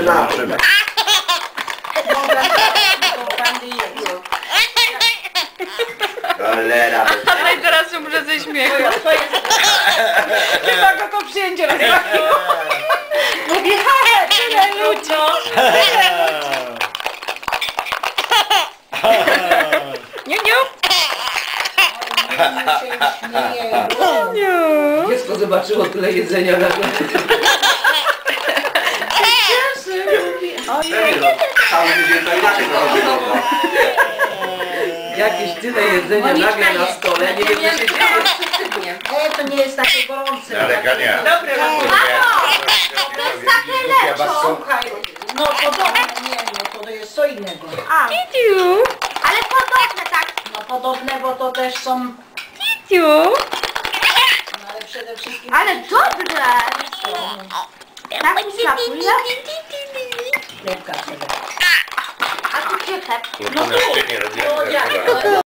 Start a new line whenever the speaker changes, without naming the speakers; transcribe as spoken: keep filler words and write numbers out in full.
zobaczymy. Cholera.
Ale i teraz umrze ze śmiechu. Chyba go to przyjęcie rozprawiło. Mówię, ha, tyle ludzi. Nie, nie. Nie.
Dziecko zobaczyło tyle jedzenia na górze.
Cały tydzień to inaczej wychodziło.
Jakieś tyle jedzenia nagle na stole, nie wiem co się dzieje.
E, to nie jest takie gorące.
Ale Gania.
Dobre,
To jest takie lepsze. Słuchaj, no podobne, nie, no to jest co innego.
A. Ticiu.
Ale podobne tak. No podobne, bo to też są,
Ticiu.
no ale przede wszystkim...
Ale dobre! Tak mi smakuje.
Chlebka sobie.
A tu gdzie chleb?
No to nie robię.
No jak?